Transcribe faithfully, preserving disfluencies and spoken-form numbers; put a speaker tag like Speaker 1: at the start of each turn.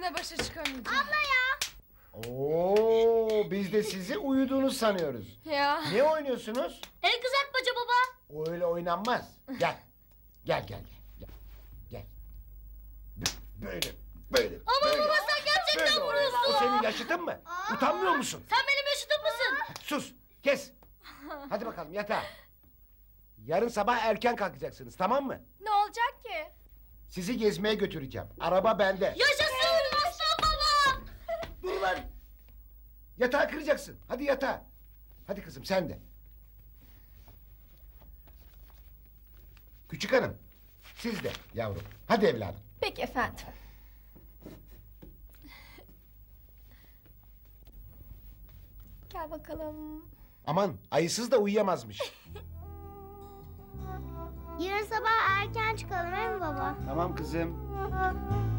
Speaker 1: seninle başa çıkamayacağım.
Speaker 2: Abla ya.
Speaker 3: Oo, biz de sizi uyuduğunu sanıyoruz.
Speaker 1: Ya.
Speaker 3: Ne oynuyorsunuz?
Speaker 2: El kızartmaca baba.
Speaker 3: O öyle oynanmaz. Gel. Gel gel gel. Gel. Gel. Böyle. Böyle.
Speaker 2: Ama
Speaker 3: böyle.
Speaker 2: baba sen gerçekten
Speaker 3: Böyle oyna.
Speaker 2: vuruyorsun.
Speaker 3: O senin yaşıtın mı? Utanmıyor musun?
Speaker 2: Sen benim yaşıtım mısın?
Speaker 3: Sus. Kes. Hadi bakalım yatağa. Yarın sabah erken kalkacaksınız, tamam mı?
Speaker 1: Ne olacak ki?
Speaker 3: Sizi gezmeye götüreceğim. Araba bende.
Speaker 2: Yaşasın aslan baba.
Speaker 3: Dur lan. Yatağı kıracaksın. Hadi yatağa. Hadi kızım sen de. Küçük hanım. Siz de yavrum. Hadi evladım.
Speaker 1: Peki efendim. Gel bakalım.
Speaker 3: Aman ayısız da uyuyamazmış.
Speaker 2: Yarın sabah erken çıkalım değil mi baba?
Speaker 3: Tamam kızım.